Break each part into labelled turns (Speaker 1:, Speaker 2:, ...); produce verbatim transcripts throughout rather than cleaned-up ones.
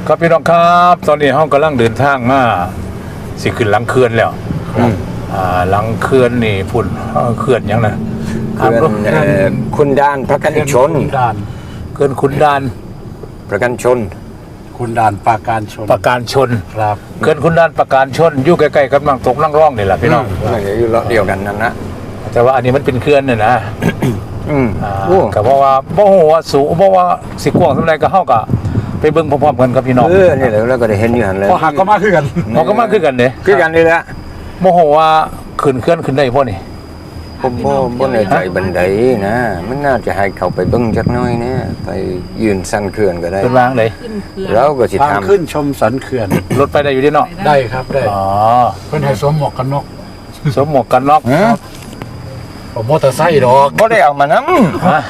Speaker 1: ครับพี่น้องครับตอนนี้ห้องกำลังเดินทางมาสิขึ้นหลังเขื่อนแล้วอ่าหลังเขื่อนนี่พุ่นเขื่อนยังนะ
Speaker 2: เขื่อนคุณดานประกันชน
Speaker 1: เขื่อนคุณดาน
Speaker 2: ประกันชน
Speaker 3: คุณดานปราการชน
Speaker 1: ประการชน
Speaker 3: ครับ
Speaker 1: เขื่อนคุณดานประการชนอยู่ใกล้ๆกับลังตกลังร่องนี่แหละพี่น้อง
Speaker 2: อยู่เดียวกันนั่นนะ
Speaker 1: แต่ว่าอันนี้มันเป็นเขื่อนเนี่ยนะ
Speaker 2: อืม
Speaker 1: ก็เพราะว่าบ่ฮู้ว่าสูงบ่ว่าสิกว้างสำใดก็เฮาก็ไปเบิ่งพร้อมๆกันกับพี่น้อง
Speaker 2: เออนี่แหละแล้วก็ได้เห็นอยู่หั่นเลย
Speaker 3: พอหักก็มาคือกัน
Speaker 1: พอก็มาคือกันเด้
Speaker 2: คือกันนี่แหละ
Speaker 1: บ่ฮู้ว่าขึ้นเขื่อนขึ้นได้บ่นี่
Speaker 2: ผมบ่บ่แน่ใจบันไดนะมันน่าจะให้เขาไปเบิ่งจักหน่อยนะไปยืนสันเขื่อนก็ได้
Speaker 1: เป็นวางได
Speaker 2: แล้วก็สิ
Speaker 3: ทำขึ้นชมสันเขื่อน
Speaker 1: รถไปได้อยู่ดิเนาะ
Speaker 3: ได้ครับได้
Speaker 1: อ๋อ
Speaker 3: เพิ่นให้สวมหมวกกันน็อก
Speaker 1: สวมหมวกกันน็อก
Speaker 3: ผมมอเตอร์ไซค์ดอก
Speaker 2: บ่ได้เอามานำ
Speaker 1: ฮะ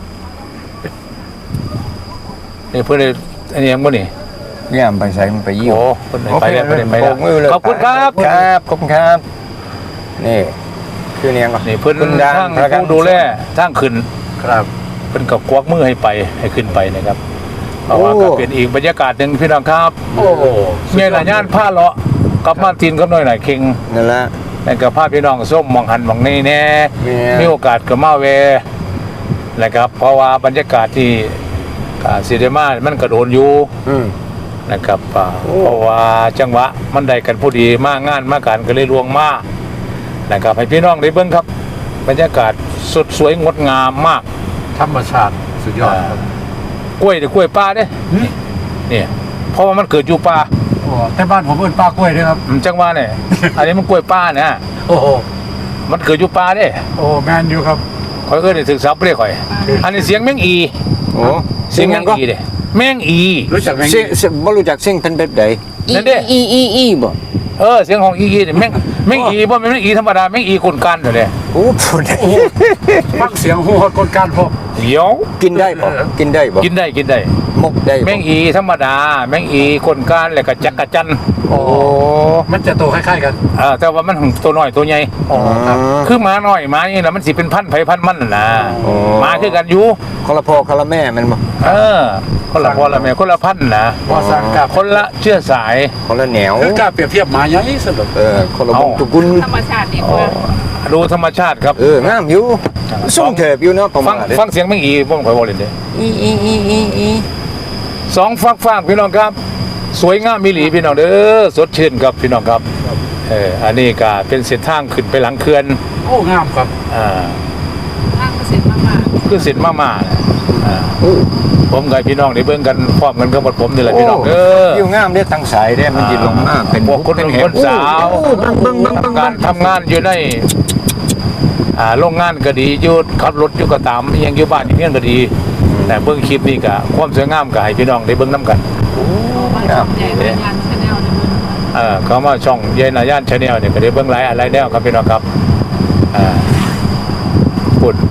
Speaker 1: นี่เพิ่นได้อันนี้ยังบ่นี่
Speaker 2: ย่ามไปใส่มันไปยิ้ว
Speaker 1: โอ้เพิ่นไปแล้วเพิ่นไปแล้วขอบคุณครับ
Speaker 2: ครับขอบคุณครับนี่คือเนี่ยก็
Speaker 1: นี่เพิ่นทางผู้ดูแลทางขึ้น
Speaker 3: ครับ
Speaker 1: เพิ่นก็กวักมือให้ไปให้ขึ้นไปนะครับเพราะว่าก็เป็นอีกบรรยากาศนึงพี่น้องครับ
Speaker 3: โอ้โห
Speaker 1: มีหลายย่านผ้าเลาะกับมาตินกับน้อยหน่อยเข่ง
Speaker 2: นั่นละ
Speaker 1: แล้วก็พาพี่น้องส้มมองหันมองนี่แน่มีโอกาสก็มาเวนะครับเพราะว่าบรรยากาศที่ซีเดมามันกระโดนอยู่นะครับเพราะว่าจังหวะมันได้กันพอดีมากงานมากการก็เลยลวงมากนะครับให้พี่น้องได้เบิ่งครับบรรยากาศสดสวยงดงามมาก
Speaker 3: ธรรมชาติสุดยอดครับ
Speaker 1: กล้วยเดี๋ยวกล้วยป่าเด้นี่เพราะว่ามันเกิดอยู่ป่า
Speaker 3: โอ้แต่บ้านผมเอิ้นป่ากล้วยด้วยครับ
Speaker 1: จังหวะเนี่ยอันนี้มันกล้วยป่าเนี่ย
Speaker 3: โอ้โห
Speaker 1: มันเกิดอยู่ป่าเด้
Speaker 3: โอ้แมนอยู่ครับ
Speaker 1: คอยเอิ้นศึกษาเปรี้ยข่อยอันนี้เสียงแมงอี
Speaker 2: โอ้
Speaker 1: เสียงแมงอีเด้แมงอี
Speaker 3: รู้จักแมงอี
Speaker 2: บ่รู้จักเสียงเพิ่นแบบใด
Speaker 1: นั่นเด้
Speaker 2: อีอีอีบ่
Speaker 1: เออเสียงของอีอีเนี่ยแมงแมงอีบ่แม่นแมงอีธรรมดาแมงอีคนกันเด้
Speaker 2: โอ้พุ่น
Speaker 3: ฟังเสียงฮู้คนกันพอ
Speaker 1: เดี๋ยว
Speaker 2: กินได้บ่กินได้บ่
Speaker 1: กินได้กินได้
Speaker 2: มกได้
Speaker 1: แมงอีธรรมดาแมงอีคนกันแล้วก็จักกะจัน
Speaker 3: โอ้มันจะโตคล้ายๆกัน
Speaker 1: เออแต่ว่ามันตัวน้อยตัวใหญ่
Speaker 3: อ๋อครับ
Speaker 1: คือหมาน้อยหมานี่น่ะมันสิเป็นพันธุ์ไผพันธุ์มันน่ะหมาคือกันอยู่
Speaker 2: คนละพ่อคนละแม่แม่นบ่
Speaker 1: เออคนละพ่อละแม่คนละพันธุ์นะ
Speaker 3: บ่สังกับ
Speaker 1: คนละเชื้อสาย
Speaker 2: คนละแนว
Speaker 3: คือกล้าเปรียบเทียบหมาใหญ่สุด
Speaker 2: เออคนละวงตระกูล
Speaker 4: ธรรมชาติดีกว่า
Speaker 1: ดูธรรมชาติครับ
Speaker 2: เอองามอยู่ส่งเถิบอยู่เนาะ
Speaker 1: ฟังฟังเสียงแมงอีบ่ค่อยบ่เล่นเด้
Speaker 2: อีอีอีอีอี
Speaker 1: สองฟักฟางพี่น้องครับสวยงามมิหลีพี่น้องเด้อสดชื่นครับพี่น้องครับเอออันนี้ก็เป็นเส้นทางขึ้นไปหลังเขื่อน
Speaker 3: โอ้งามครับ
Speaker 1: อ่า
Speaker 4: ทางเส้นมาๆ
Speaker 1: คือเส้นมาๆอ่าผมกับพี่น้องได้เบิ่งกันพร้อมกันกับผมนี่แหละพี่น้องเด้อ
Speaker 2: อยู่งามเด้ทั้งสายเด้มันสิลงมาเป็น
Speaker 1: พวกคนคนสาวการทำงานอยู่ในอ่าโรงงานก็ดีอยู่ขับรถอยู่ก็ตามยังอยู่บ้านอยู่เมียนก็ดีแต่เบิ่งคลิปนี้ก็ความสวยงามก็ให้พี่น้องได้เบิ่งนำกัน
Speaker 4: ครับใหญ่นายานชาแนลเนี่ย
Speaker 1: เออเขามาช่องใหญ่นายานชาแนลเนี่ยก็ได้เบิ่งหลายอะไรแนวครับพี่น้องครับอ่าพูด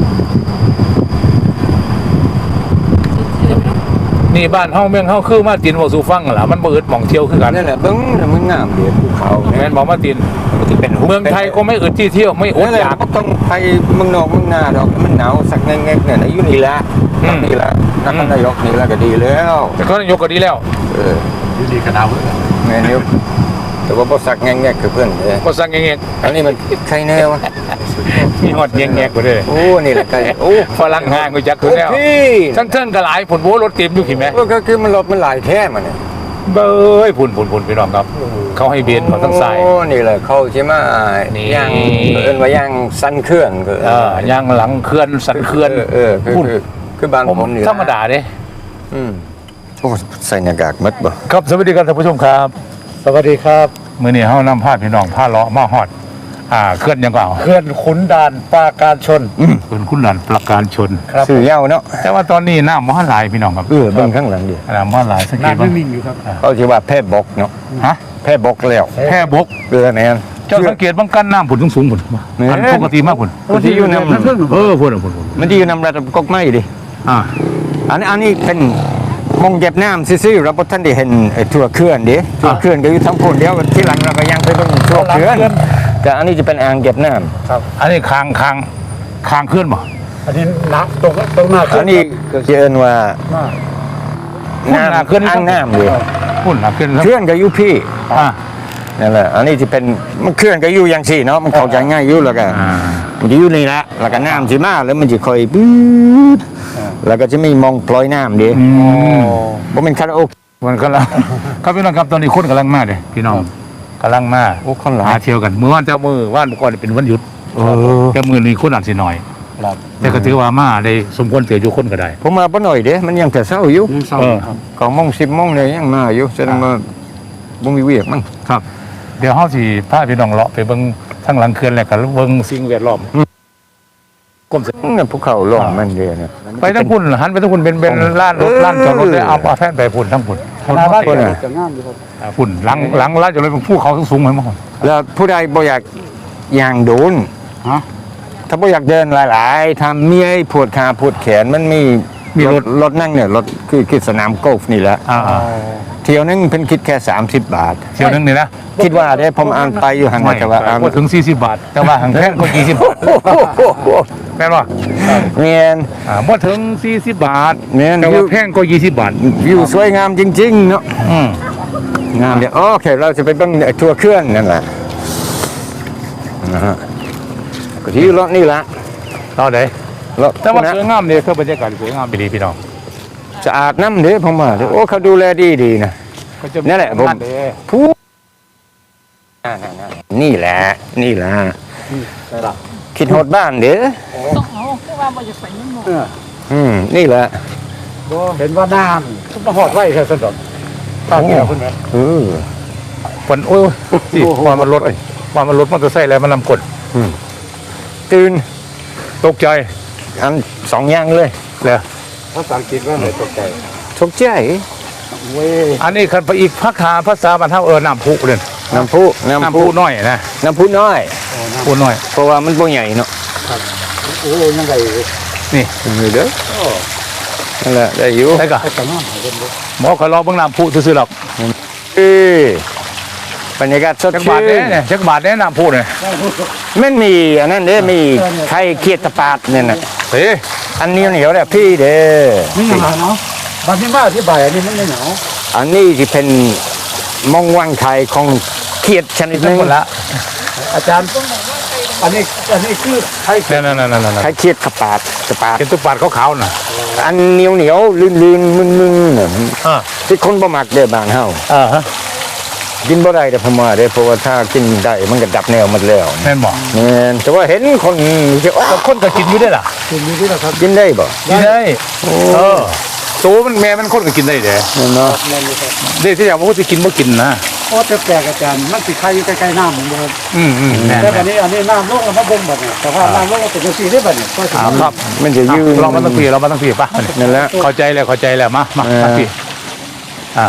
Speaker 1: นี่บ้านเฮาเมืองเฮาคือมาตินบ่สู่ฟังล่ะมันบ่อึดหม่องเที่ยวคือกัน
Speaker 2: นั่นแหละเบิ่งมันงามเด้ภูเขา
Speaker 1: แม่นบ่มาตินเมืองไทยก็ไม่อึดที่เที่ยวไม่อดอยาก
Speaker 2: ต้องไปเมืองนอกเมืองนาดอกมันหนาวสักแงกๆเนี่ยอยู่นี่ละนี่ละนครนายกนี่ละก็ดีแล้ว
Speaker 1: แต่ก็นายกก็ดีแล้ว
Speaker 2: เออ
Speaker 3: อยู่ดีก็หนาว
Speaker 2: แม่นอยู่แต่ว่าบ่สักแงกๆคือเพิ่นเด้
Speaker 1: บ่สักแงก
Speaker 2: ๆอันนี้มันใครแน่วะ
Speaker 1: มีฮอดแงกๆกว่าเด้อ
Speaker 2: โอ้นี่แหละไกโอ้
Speaker 1: ฝรั่งห่างกูจักคือแล้วทั้งเทิงก็หลายผลโบรถเต็มอยู่ขี้แม่
Speaker 2: ก็คือมันรถมันหลายแท้มันเนี่ย
Speaker 1: เบ้ยพุ่นพุ่นพุ่นพี่น้องครับเขาให้เบียนเขาทั้งสาย
Speaker 2: โอ้นี่แหละเขาใช่ไหมย่างเอิ้นว่าย่างสันเคลื่อนก็
Speaker 1: เออย่างหลังเคลื่อนสันเคลื่อน
Speaker 2: เออคือคือบางคน
Speaker 1: นี่ธรรมดาเด้
Speaker 2: อืมโอ้ใส่หน้ากากมัดบ่
Speaker 1: ครับสวัสดีครับท่านผู้ชมครับ
Speaker 3: สวัสดีครับ
Speaker 1: มื้อนี้เฮานำพาพี่น้องพาเลาะมาฮอดอ่าเคลื่อนยังก็เอา
Speaker 3: เคลื่อนขุนด่านปราการชน
Speaker 1: อืมขุนขุนด่านปราการชน
Speaker 2: ชื่อยาวเนาะ
Speaker 1: แต่ว่าตอนนี้น้ำบ่หลายพี่น้องครับ
Speaker 2: เออเบิ่งข้างหลังดิ
Speaker 1: น้ำบ่หลายสักที
Speaker 3: น้ำไม่มีอยู่ครับ
Speaker 2: เขาสิว่าแพร่บกเนาะ
Speaker 1: ฮะ
Speaker 2: แพร่บกแล้ว
Speaker 1: แพร่บก
Speaker 2: เออแม่น
Speaker 1: เจ้าสังเกตบางกันน้ำผุนสูงๆพุ่นอันปกติมากพุ่น
Speaker 2: ที่อยู่นำ
Speaker 1: เออพุ่นพุ่น
Speaker 2: มันที่อยู่นำระดับกกไม้ดิ
Speaker 1: อ่า
Speaker 2: อันนี้อันนี้เป็นมงเก็บน้ำซื่อๆเราบ่ทันได้เห็นไอ้ทั่วเขื่อนดิทั่วเขื่อนก็อยู่ทั้งพุ่นเดียวที่หลังเราก็ยังไปเบิ่งทั่วเขื่อนแต่อันนี้จะเป็นอ่างเก็บน้ำ
Speaker 1: ครับอันนี้คางคางคางเคลื่อนบ่
Speaker 3: อันนี้น้ำตรงตรงหน้า
Speaker 2: อันนี้ก็เอิ้นว่า
Speaker 1: น้ำ
Speaker 2: เคลื่อนอ่างน้ำเลย
Speaker 1: พุ่นนะขึ้น
Speaker 2: เคลื่อนก็อยู่พี่
Speaker 1: อ่า
Speaker 2: นั่นแหละอันนี้ที่เป็นมันเคลื่อนก็อยู่อย่างสี่เนาะมันเข้าใจง่ายอยู่แล้วก็
Speaker 1: อ่า
Speaker 2: มันจะอยู่นี่แหละแล้วก็น้ำสิมาแล้วมันจะค่อยปื๊ดแล้วก็จะมีมองปล่อยน้ำดี
Speaker 1: อืม
Speaker 2: บ่เป็นคาราโอเกะ
Speaker 1: มันกำลัง ครับพี่น้องครับตอนนี้คนกำลังมาเลยพี่น้องกำลังมา
Speaker 2: โอ้คนหลา
Speaker 1: หาย เที่ยวกันเมื่อวานเจ้ามือว่านเมื่อก่อนเป็นวันหยุด
Speaker 2: เออ
Speaker 1: แต่มือนี้คนอาจสิหน่อย
Speaker 3: ครับ
Speaker 1: แต่ก็ถือว่ามาได้สมควรเสียอยู่คนก็ได้
Speaker 2: ผมมาบ่หน่อยเด้มันยังแต่เช้าอยู่
Speaker 3: ยังเศร้า
Speaker 1: เออ
Speaker 3: ครับ
Speaker 2: ของโมงสิบโมงเลยยังมาอยู่แสดงว่าบ่มีเวียกมั้ง
Speaker 1: ครับ เดี๋ยวเฮาสิพาพี่น้องเลาะไปเบิ่งทางหลังเขื่อนแล้วก็เบิ่งสิ่งแวดล้อมกรมศิลป์
Speaker 2: นั่นภูเขาหลงมันเด้เนี่ย
Speaker 1: ไปทั้งพุ่นหันไปทั้งพุ่นเป็นเป็นร้านรถ
Speaker 2: เออ
Speaker 1: ร้านจอดรถได้เอาเอาแฟนไปพุ่นทั้งพุ่น
Speaker 3: คณะบ้าน
Speaker 2: คนน่ะ
Speaker 3: จะงามอยู่ครับ
Speaker 1: อ่าพุ่นหลังหลังร้านจอดรถเป็นภูเขาสูงๆเหมือนมั้ง
Speaker 2: แล้วผู้ใดบ่อยากย่างโดน
Speaker 3: ฮะ
Speaker 2: ถ้าบ่อยากเดินหลายๆทำเมียปวดขาปวดแขนมันมีมีรถรถนั่งเนี่ยรถคือคือสนามกอล์ฟนี่แหละ
Speaker 1: อ่า
Speaker 2: เที่ยวนึงเพิ่นคิดแค่สามสิบบาท
Speaker 1: ๆเที่ยวนึงนี่นะ
Speaker 2: คิดว่าได้ผมอ่านไปอยู่หันมาแต่ว่าอ่าน
Speaker 1: บ่ถึงสี่สิบบาท แต่ว่าหังแพงกว่ายี่สิบบาทแม่นบ่
Speaker 2: เมียน
Speaker 1: อ่าบ่ถึงสี่สิบบาท
Speaker 2: แม่น
Speaker 1: แต่ว่าแพงกว่ายี่สิบบาท
Speaker 2: วิวสวยงามจริงๆเนาะ
Speaker 1: อืม
Speaker 2: งามเดี๋ยวโอเคเราจะไปเบิ่งไอ้ทัวร์เครื่องนั่นแหละนะฮะก็ที่รถนี่ละ
Speaker 1: เอาได้
Speaker 2: รถ
Speaker 1: แต่ว่า
Speaker 2: นะ
Speaker 1: สวยงามนี่คือบรรยากาศสวยงามไปดีพี่น้อง
Speaker 2: สะอาดน้ำเด้ผมว่าเด้อโอ้เขาดูแลดีดีๆนะ
Speaker 1: ก็จะ
Speaker 2: นั่นแหละผม
Speaker 1: เด้
Speaker 2: ผู้นี่แหละ นี่แหละ
Speaker 3: ใช่ละ
Speaker 2: คิดฮอดบ้านเด้อ
Speaker 4: ต้องเอาคือว่าบ่อยากไปนั่นหมด
Speaker 3: เออ
Speaker 2: อืมนี่แหละ
Speaker 3: บ่เห็นว่าน้ำทุกมาหอดไว้แค่สนดอกตาเกี่ยวคุณไหม
Speaker 2: เออ
Speaker 1: ฝนโอ้ยสิว่ามันรถว่ามันรถมอเตอร์ไซค์แล้วมันนำกด
Speaker 2: ตื่น
Speaker 1: ตกใจ
Speaker 2: อันสองอย่างเลย
Speaker 1: เลย
Speaker 3: ภาษาอังกฤษว่าอะไรตกใจ
Speaker 2: ตกใจ
Speaker 3: เว้ย
Speaker 1: อันนี้คันไปอีกภาษาภาษาบรรเทาเออน้ำพุเลย
Speaker 2: น้ำพุน้ำ
Speaker 1: น้ำ
Speaker 2: พุ
Speaker 1: พุน้อยนะ
Speaker 2: น้ำพุน้อย
Speaker 1: พุน้อย
Speaker 2: เพราะว่ามันบ่ใหญ่เนาะ
Speaker 3: โอ้ยยังไง
Speaker 1: นี่
Speaker 2: นี่เด้อนั่นแหละได้อยู่
Speaker 1: ใช่ก็
Speaker 3: ไอ้กระน้ำให้เป็นเด้อ
Speaker 1: หมอเขารอเบิ่งน้ำพุซื่อๆหรอก
Speaker 2: เออบรรยากาศสด
Speaker 1: จัก
Speaker 2: ชื่
Speaker 1: บาท
Speaker 2: น
Speaker 1: เด้เนี่ยจักบาทเด้น้ำพุเนี่ย
Speaker 2: มันมีอันนั้นเด้มีไข่เคียดตะปาดเนี่ยน่ะ
Speaker 1: เฮ้ย
Speaker 2: อันเหนียวเหนียวๆเนี่ยพี่เด้อ
Speaker 3: นี่หนาวเนาะบางทีมาอธิบายอันนี้มันไม่หนาว
Speaker 2: อันนี้ที่เป็นมองวังไข่ของเคียดชนิดห
Speaker 1: ทั้
Speaker 2: นึ
Speaker 1: ง
Speaker 2: ง
Speaker 1: หมดละ
Speaker 3: อาจารย์อันนี้อันนี้คือไทย
Speaker 1: นั่นนั่นนั่นนั่น
Speaker 2: ไข่เคียดตะปาดตะปาด
Speaker 1: เป็นตุกบาทขาวๆน่ะ
Speaker 2: อันเหนียวเหนียวๆลื่นลื่นๆมึนมึนๆน่ะ
Speaker 1: อ่า
Speaker 2: ที่คนบ่มักเด้อบ้านเฮา
Speaker 1: อ่าฮะ
Speaker 2: กินบ่ได้แต่ผมว่าเด้อเพราะว่าถ้ากินได้มันก็ดับแนวหมดแล้ว
Speaker 1: แม่นบอก
Speaker 2: แม่นแต่ว่าเห็นคนที่ว่า
Speaker 1: คนก็กินอยู่ได้ล่ะ
Speaker 3: คุณมีที่เราครับ
Speaker 2: กินได้บ่
Speaker 1: กินได้เออตัวมันแม่มันคนก็กินได้เด้
Speaker 2: แม่นเนาะ
Speaker 3: นั่นเลยครับ
Speaker 1: เด็กที่อยากว่าจะกินบ่กินนะ
Speaker 3: โอ้แต่แปลกอาจารย์มันสิใครอยู่ใกล้ๆน้ำเหมือนเดิม
Speaker 1: อืมอืมแม่น
Speaker 3: แต่อันนี้อันนี้น้ำลงแล้วมาบ่งแบบนี้แต่ว่าน้ำลงแล้วเป็นจังซี่ได้บ่เนี่ยก็สิ
Speaker 1: อ่าครับ
Speaker 2: มันจะยืน
Speaker 1: เรามาตั้งปีเรามาตั้งปีป่ะ
Speaker 2: นั่นแหละ
Speaker 1: เข้าใจแล้วเข้าใจแล้วมามา
Speaker 2: เออ
Speaker 1: ตั้งปีอ่า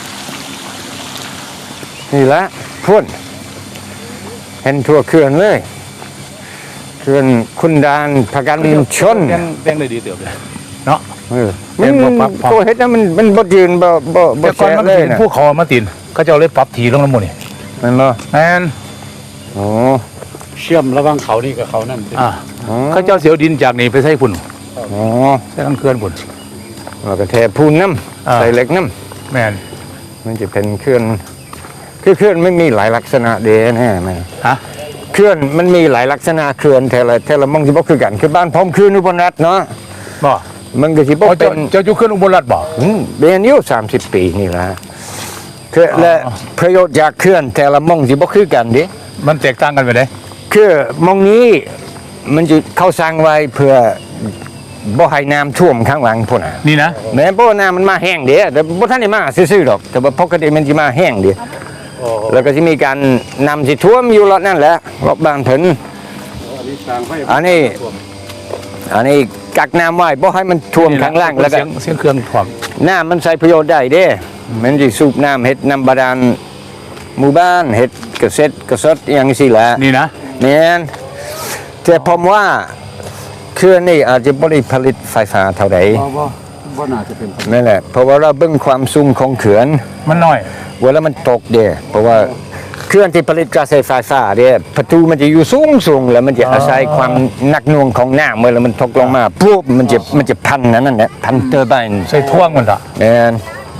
Speaker 2: นี่ละพุ่นเห็นทั่วเขื่อนเลยเขื่อนคุณดานพกันชน
Speaker 1: แดงแดงเลยดีเติบเลยเนาะ
Speaker 2: เออ
Speaker 1: เห็
Speaker 2: มัน
Speaker 1: นบ่ปั๊บปั๊บ
Speaker 2: ตัวเฮ็ดนะมันมันบ่ยืนบ่บ่บ่
Speaker 1: แต่ก่อน
Speaker 2: แฉะ
Speaker 1: มัน
Speaker 2: เลย
Speaker 1: เป็น
Speaker 2: นะ
Speaker 1: ผู้เขามาตินเขาจะเอาเลยปรับทีลงน้ำมันนี่
Speaker 2: แม่นบ่
Speaker 1: แม่น
Speaker 2: โอ้
Speaker 3: เชื่อมระหว่างเขานี่กับเขานั่น
Speaker 1: อ่า
Speaker 2: อ๋อ
Speaker 1: เขาเจ้าเสียวดินจากนี่ไปใส่ฝุ่น
Speaker 2: อ๋อ
Speaker 1: ใส่กันเคลื่อนฝุ่น
Speaker 2: แล้วก็แทพูนน้ำ
Speaker 1: อ่า
Speaker 2: ใส่เหล็กน้ำ
Speaker 1: แม่น
Speaker 2: มันจะเป็นเคลื่อนคือเคลื่อนไม่มีหลายลักษณะเด้แน่แม่
Speaker 1: ฮะ
Speaker 2: เคลื่อนมันมีหลายลักษณะเคลื่อนแต่ละแต่ละมองสิบ่คือกันคือบ้านพร้อมคืนอุบลรัตน์เนาะ
Speaker 1: บ่
Speaker 2: มันก็สิบ่
Speaker 1: เอา
Speaker 2: เป็
Speaker 1: เจ้าน เจ้าอยู่เคลื่อนอุบลรัตน์บ่
Speaker 2: อืมเรียนอยู่สามสิบปีนี่ละคือและ
Speaker 1: อ๋อ
Speaker 2: ประโยชน์จากเคลื่อนแต่ละมองสิบ่คือกันเดิ
Speaker 1: มันแตกต่างกันไปเลย
Speaker 2: คือมองนี้มันจะเข้าสร้างไว้เพื่อบ่ให้น้ำท่วมข้างหลังพุ่นน่ะ
Speaker 1: นี่นะ
Speaker 2: แม้บ่น้ำมันมาแห้งเด้แต่บ่ทันได้มาซื่อๆดอก แต่ว่าปกติมันสิมาแห้งเด้แล้วก็สิมีการนำสิท่วมอยู่รอบนั่นแหละรอบบ้านเพิ่น
Speaker 3: อันนี้สร้างไว้
Speaker 2: อันนี้ อันนี้กักน้ำไว้บ่ให้มันท่วมข้างล่างแล้วก็
Speaker 1: เสียงเสียงเครื่องถ่วง
Speaker 2: น้ำมันใช้ประโยชน์ได้เด้ มันจะสูบน้ำเฮ็ดน้ำบาดาลหมู่บ้านเฮ็ดเกษตรกษตรอย่างนี้สิแหละ
Speaker 1: นี่นะ
Speaker 2: แม่นแต่ผมว่าเครื่องนี้อาจจะบ่ได้ผลิตไฟฟ้าเท่าใด
Speaker 3: บ่บ่บ่น่าจะเป็น
Speaker 2: นั่นแหละ เพราะว่าเราเบิ่งความสูงของเขื่อน
Speaker 1: มันน้อย
Speaker 2: เวลามันตกเด้เพราะว่าเครื่องที่ผลิตกระแสไฟฟ้าเด้ประตูมันจะอยู่สูงสูงแล้วมันจะอาศัยความหนักหน่วงของน้ำเมื่อมันตกลงมาปุ๊บมันจะมันจะพันนั่นนั่นแหละพันเตอร์ไบน์
Speaker 1: ใส่ท่วงมันละ
Speaker 2: แม่น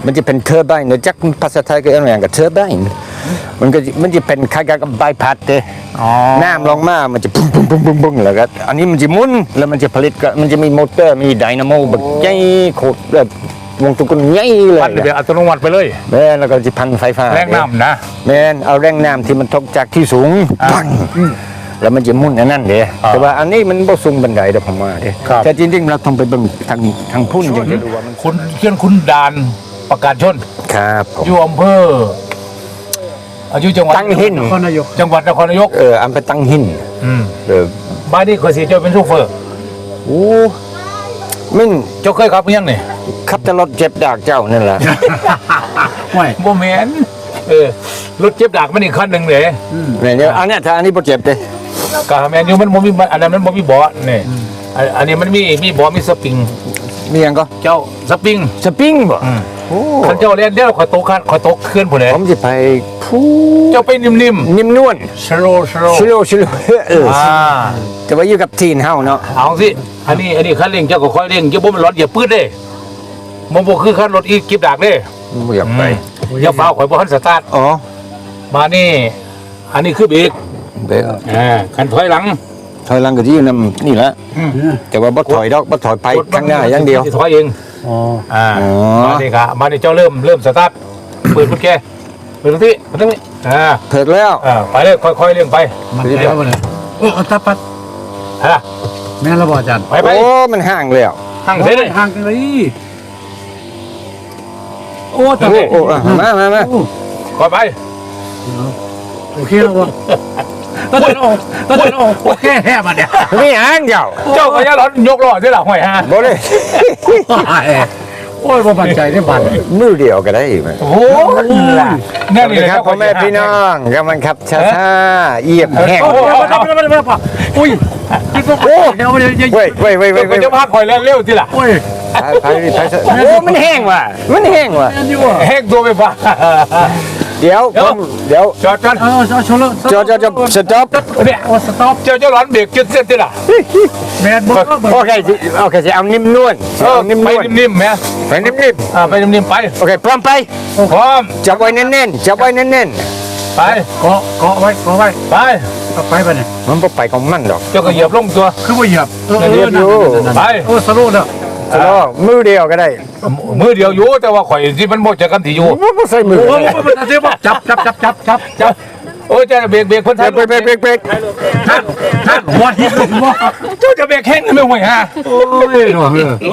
Speaker 2: มันจะเป็นเทอร์ไบน์เนอะจักภาษาไทยก็เรียกอย่างกับเทอร์ไบน์มันก็มันจะเป็นคล้ายๆกับใบพัดเด้
Speaker 1: อ๋อ
Speaker 2: น้ำลงมามันจะปุ้งปุ้งปุ้งปุ้งปุ้งแล้วก็อันนี้มันจะหมุนแล้วมันจะผลิตก็มันจะมีมอเตอร์มีไดนาโมแบบใหญ่โคตรแบบวงตุกนใหญ่เลย
Speaker 1: ปั่นแบบอัตโนมัติไปเลย
Speaker 2: แม่นแล้วก็จะพันไฟฟ้า
Speaker 1: แรงน้ำนะ
Speaker 2: แม่นเอาแรงน้ำที่มันทกจากที่สูง
Speaker 1: อ่า
Speaker 2: ปังแล้วมันจะหมุนอันนั้นเด้
Speaker 1: อ่า
Speaker 2: แต่ว่าอันนี้มันบ่สูงบันไดเด้อผมว่าเด้
Speaker 1: ครับ
Speaker 2: แต่จริงๆเราต้องไปเบิ่งทางทางพุ่นอย่างจะดูว่ามัน
Speaker 1: คุณเขียนคุณดานประกาศชน
Speaker 2: ครับผม
Speaker 1: อยู่อำเภออายุจังหวัด
Speaker 2: ตั้งหิน
Speaker 3: นครนายก
Speaker 1: จังหวัดนครนายก
Speaker 2: เอออำไปตั้งหิน
Speaker 1: อืม
Speaker 2: เออ
Speaker 1: บ้านนี้เคยเสียเจ้าเป็นโชเฟอร์
Speaker 2: โอ้มัน
Speaker 1: เจ้าเคยขับยังนี่
Speaker 2: ขับแต่รถเจ็บดากเจ้านั่นแหละ
Speaker 3: ไม่
Speaker 1: โมเมนเออรถเจ็บดากมันอีกคันหนึ่งเลย
Speaker 2: เนี่ยเนี่ยอันเนี้ยถ้าอันนี้บ่เจ็บเด้
Speaker 1: กาแมนยูมันบ่มีอันนั้นมันบ่มีเบาะนี่อันอันนี้มันมีมีเบาะมีสปริง
Speaker 2: มีหยังก็
Speaker 1: เจ้าสปริง
Speaker 2: สปริงบ่
Speaker 1: อืม
Speaker 2: โอ้
Speaker 1: คันเจ้าเล่นเดี๋ยวขอยตกคันขอยตกเคลื่อนผู้ใด
Speaker 2: ผมสิไปผู้
Speaker 1: เจ้าไปนิ่ม
Speaker 2: นิ่มนวล
Speaker 1: ๆ slow slow
Speaker 2: ชิโลชิโลเออ
Speaker 1: อ่า
Speaker 2: แต่ว่าอยู่กับทีนเฮาเนาะ
Speaker 1: เอาสิอันนี้อันนี้คันเร่งเจ้าก็ค่อยเร่งอย่าบ่มันร้อนอย่าปื้ดเด้มันบ่คือคันรถอีกิบดากเด้
Speaker 2: บ่อยากไป
Speaker 1: อืมอย่าฟ้าวข่อยบ่ทันสตาร์ท
Speaker 2: อ๋อ
Speaker 1: มานี่ อันนี้คือเบรก
Speaker 2: เด้อ
Speaker 1: อ่าคันถอยหลัง
Speaker 2: ถอยหลังก็สิอยู่นำนี่แหละแต่ว่าบ่ถอยดอกบ่ถอยไปข้างหน้าอย่างเดียว
Speaker 1: ถอยเอง
Speaker 3: อ๋อ
Speaker 1: อ่า
Speaker 2: อ๋อ
Speaker 1: มานี่ครับมานี่เจ้าเริ่มเริ่มสตาร์ทเปิดกุญแจเปิดตรงที่เปิดตรงนี้อ่า
Speaker 2: เถิดแล้ว
Speaker 1: อ่าไปเลยค่อยๆเร่งไป
Speaker 3: มันแล้วบ่เนี่ยโอ้อัตปัด
Speaker 1: ฮะ
Speaker 3: แม่นแล้วบ่อาจารย์
Speaker 1: ไปไป
Speaker 2: โอ้มันห่างแล้ว
Speaker 1: หั่งเสร็จเลย
Speaker 3: ห่างกันเลยโอ้ตะ
Speaker 2: โอ้โอ้อ่ะมามามา
Speaker 1: ก่อนไป
Speaker 3: โอเคแล้วบ่ตะเดินออกตะเดินออกโอเคแฮ่บัดเนี่ย
Speaker 2: มีหางเดียว
Speaker 1: เจ้าก็อย่าร้อนยกล้อเสียหล่ะห่วยฮะ
Speaker 2: บ่ได้
Speaker 3: โอ้ยบ่มั่นใจได้บัด
Speaker 2: มือเดียวก็ได้ไหม
Speaker 1: โอ้โห
Speaker 2: ส
Speaker 1: นั่
Speaker 2: วัน ส
Speaker 1: นี่
Speaker 2: ดี
Speaker 1: เลย
Speaker 2: ครับพ่อแม่พี่น้องกำลังขับช้าๆเอียบแห้ง
Speaker 3: โอ้ยบ่ได้บ่ได้บ่ได้อุ้ยโอ้เดี๋ยวเดี๋ยว
Speaker 2: เว้ยเว้ยเว้ยเว้
Speaker 1: เจ้าย ก็
Speaker 2: เว้ย
Speaker 1: จะพาคอยเร็วๆสิล่ะ
Speaker 3: โอ้ย
Speaker 2: ไปไปไปโอ้มันแห้งว่ะมันแห้งว่ะ
Speaker 3: แม่นอยู่อ่ะ
Speaker 1: แหกตัวไปฟ้า
Speaker 2: เดี๋ยวผมเดี๋ยว
Speaker 1: จอดจอด
Speaker 3: เออชนแล้ว
Speaker 2: จอดจอดจอดสต็อป
Speaker 1: เนี่ย
Speaker 3: โอ้สต็อป
Speaker 1: เจ้าเจ้าร้อนเบรกจุดเส้นสิล่ะ
Speaker 3: แม่นบ่
Speaker 2: โอเคสิโอเคสิเอานิ่มนวล
Speaker 1: เออ
Speaker 2: เอานิ่ม
Speaker 1: ไป
Speaker 2: นวล
Speaker 1: นิ่มๆแม่
Speaker 2: ไปนิ่ม
Speaker 1: อ่าไปนิ่มๆไป
Speaker 2: ๆโอเคพร้อมไป
Speaker 1: พร้อม
Speaker 2: จับไว้แน่นๆจับไว้แน่น
Speaker 1: ไป
Speaker 3: เกาะเกาะไว้เกาะไว้
Speaker 1: ไป
Speaker 3: เอาไปบัดเนี่ย
Speaker 2: ๆมันบ่ไปของมันดอก
Speaker 1: เจ้าก็เหยียบลงตัว
Speaker 3: คือบ่เหยียบเออ
Speaker 2: เหยียบอยู่
Speaker 1: ไป
Speaker 3: โอ้สโลว์แล้ว
Speaker 2: สโลว์มือเดียวก็ได้
Speaker 1: มือเดียวอยู่แต่ว่าข่อยที่มันบ่จะกันที่อยู่
Speaker 2: บ่บ่ใส่มือ
Speaker 3: โอ้
Speaker 2: ก็
Speaker 3: ย
Speaker 2: ได้
Speaker 3: มันจะบ่จับจับจับจับจับจับ
Speaker 1: โอ้ยเจ้าเบรกเบรกคน
Speaker 2: เบร
Speaker 1: ไทย
Speaker 2: กเบรกเบรกเบรกเบรก
Speaker 3: ท่านท่านหัวทิ่มเลยบ่
Speaker 1: เจ้าจะเบรกแห้งไม่ห่วยฮะ
Speaker 3: โอ้ยหนูเออ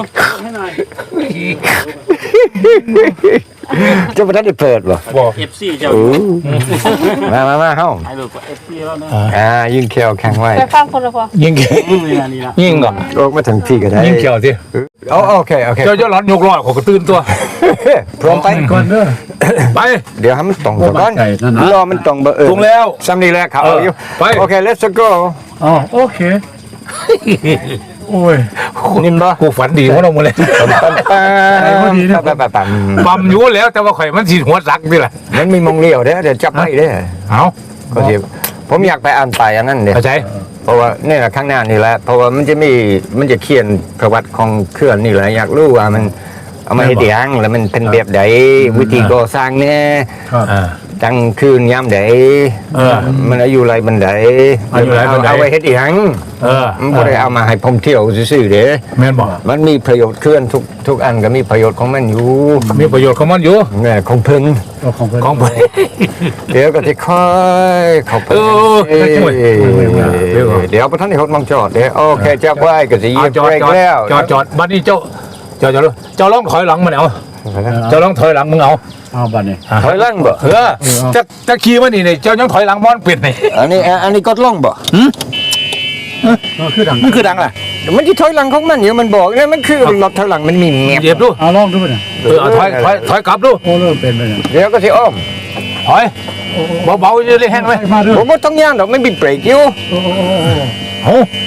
Speaker 2: เจะบ่ทันได้เปิดบ่
Speaker 1: บอก
Speaker 5: เอฟซีเจ้า
Speaker 2: โอ้มามามาเฮ้า
Speaker 5: ถ่ายรูปกับเอฟซีแล้วนะ
Speaker 2: อ่ายิงเขียวแข็งไว้
Speaker 4: ไปฟังคนละพอ
Speaker 1: ยิงแข
Speaker 5: นี่นะนี่นะ
Speaker 1: ยิงก่อน
Speaker 2: โอ้มาถึงที่ก็ได้
Speaker 1: ยิงเขียวสิ
Speaker 2: โอ้โอเคโอเค
Speaker 1: เจ้าเจ้าร้อนยกล้อข่อยก็ตื่นตัว
Speaker 2: พร้อมไป
Speaker 3: ก่อนเด้อ
Speaker 1: ไป
Speaker 2: เดี๋ยวให้มันตรงก่อน
Speaker 3: โอ้มั่นใจนั่นนะ
Speaker 2: รอมันตรงเบอร์เออ
Speaker 1: ตรงแล้ว
Speaker 2: ซ้ำนี่แหละเขาเอาอยู่
Speaker 1: ไป
Speaker 2: โอเค let's go
Speaker 3: อ๋อโอเคโอ้ย
Speaker 2: นิ่มบ่
Speaker 1: กูฝันดีของเราหมดเลย
Speaker 2: ปั๊มปั๊มปั๊มปั๊มปั๊มปั๊ม
Speaker 1: ปั๊มอยู่แล้วแต่ว่าข่อยมันสีหัวสักนี่แหละ
Speaker 2: มันมีมองเลี้ยวเด้อเดี๋ยวจับไว้เด้อ
Speaker 1: เอา
Speaker 2: ก็สิผมอยากไปอ่านไปอันนั้นเด้อ
Speaker 1: เข้าใจ
Speaker 2: เพราะว่านี่แหละข้างหน้านี่แหละเพราะว่ามันจะมีมันจะเขียนประวัติของเครื่องนี่แหละอยากรู้ว่ามันเอามาให้เดียงแล้วมันเป็นแบบใดวิธีก่อสร้างเนี่ย
Speaker 1: อ่า
Speaker 2: ตั้งคืนยามใด
Speaker 1: เออ
Speaker 2: มันอายุไรบันได
Speaker 1: อายุไรบันได
Speaker 2: เอาไว้เฮ็ดอีหยัง
Speaker 1: เออ
Speaker 2: มันบ่ได้เอามาให้ผมเที่ยวซื่อๆเด้
Speaker 1: แม่นบอก
Speaker 2: มันมีประโยชน์เคลื่อนทุกทุกอันก็มีประโยชน์ของมันอยู่
Speaker 1: มีประโยชน์ของมันอยู่
Speaker 2: แม่ของเพิ่น
Speaker 3: เอาของเพิ่น
Speaker 1: ของผม
Speaker 2: เดี๋ยวก็สิค่อยเข้าไป
Speaker 1: เออ
Speaker 2: เอ้ย
Speaker 1: ช่วย
Speaker 2: เดี๋ยวเดี๋ยวบ่ทันได้ฮดมองจอดเด้โอเคจับไว้ก็สิเหยี
Speaker 1: เอา
Speaker 2: ยบ
Speaker 1: จอด
Speaker 2: เบรก
Speaker 1: จอด
Speaker 2: แล้ว
Speaker 1: จอดจอดบัดนี้เจ้าเจ้าเจ้าเจ้าลองถอยหลังมันเอาเจ้าลองถอยหลังมึงเอา
Speaker 3: เอาบัดเนี่ย
Speaker 2: ถอยหลังบ่
Speaker 1: เออจะจะขี่มันนี่เนี่ยเจ้ายังถอยหลังมอนปิดนี่
Speaker 2: อันนี้อันนี้กดลงบ่
Speaker 3: ก็คือดัง
Speaker 1: มันคือดังแหละ
Speaker 2: มันสิถอยหลังของมันอยู่มันบอกเนี่ยมันคือรถถอยหลังมันมีแงบ
Speaker 1: เหยียบดู
Speaker 3: เอาลองดูเนี่ย
Speaker 1: เออเอาถอยถอยถอยกลับดู
Speaker 3: โอ้เริ่มเป็นไปเนี่ย
Speaker 2: เดี๋ยวก็สิอ้อม
Speaker 1: ถอยเบาๆจะได้แห้งไหม
Speaker 3: มาเด้อ
Speaker 2: ผมบ่ต้องย่างดอกไม่มีเบรกอยู่
Speaker 3: โอ้โอ้โอ้
Speaker 1: โอ้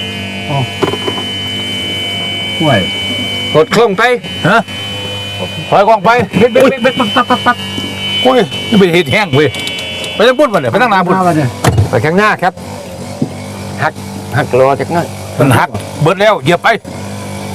Speaker 3: ห่วย
Speaker 2: กดเครื่องไป
Speaker 1: ฮะถอยกองไปเบ็ดเบ็ดเบ็ดเบ็ด
Speaker 3: ปักปักปักปัก
Speaker 1: โอ้ยนี่เป็นเห็ดแห้งเว้ยไปตั้งปุ่นมาเนี่ยไปตั้งนาปุ่น
Speaker 3: มาบัดเนี่ย
Speaker 2: ไปข้างหน้าครับหักหักล้อจักหน่อย
Speaker 1: มันหักเบิดแล้วเหยียบไป